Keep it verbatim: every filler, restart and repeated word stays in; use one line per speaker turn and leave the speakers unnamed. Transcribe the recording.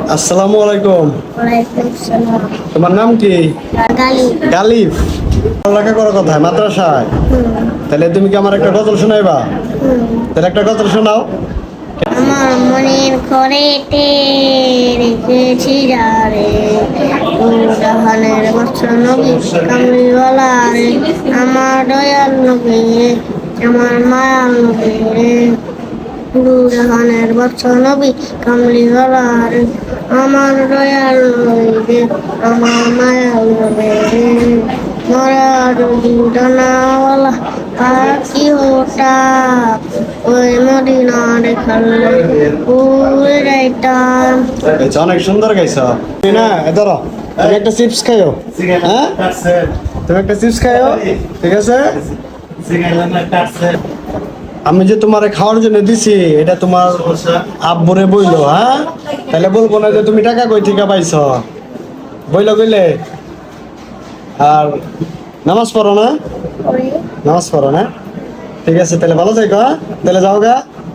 আসসালামু আলাইকুম।
ওয়ালাইকুম সালাম।
তোমার নাম কি?
গালিব।
গালিব। পড়ালেখা করো কোথায়? মাদ্রাসায়?
হুম,
তাহলে তুমি কি আমার একটা গজল শোনাইবা?
হুম।
তাহলে একটা গজল শোনাও।
আমার মনের ঘরেতে রেখেছি যারে, ও জাহানের বাদশা নবী কামলিওয়ালা রে, আমার দয়াল নবী রে, আমার মায়াল নবী রে, দু জাহানের বাদশা নবী কামলিওয়ালা রে, আমার দয়াল নবী রে, আমার মায়াল নবী রে, মরা যদি ডানাওয়ালা পাখি হতাম, ওই মদিনা দেখালে উড়ে যাইতাম।
গাইছো, অনেক সুন্দর গাইছো। তুমি না এ ধরো, তুমি একটা চিপস খাইও। হ্যাঁ, তুমি একটা চিপস খাইও, ঠিক আছে? আমি যে তোমারে খাওয়ার জন্য দিছি, এটা তোমার আব্বুরে বইলো। হ্যাঁ, তাহলে বলবো না যে তুমি টাকা কই থেকে পাইছো। বইলো কইলে। আর নামাজ পড়ো না? নামাজ পড়ো না? ঠিক আছে, তাহলে ভালো থাকো। হ্যাঁ, তাহলে যাও গা।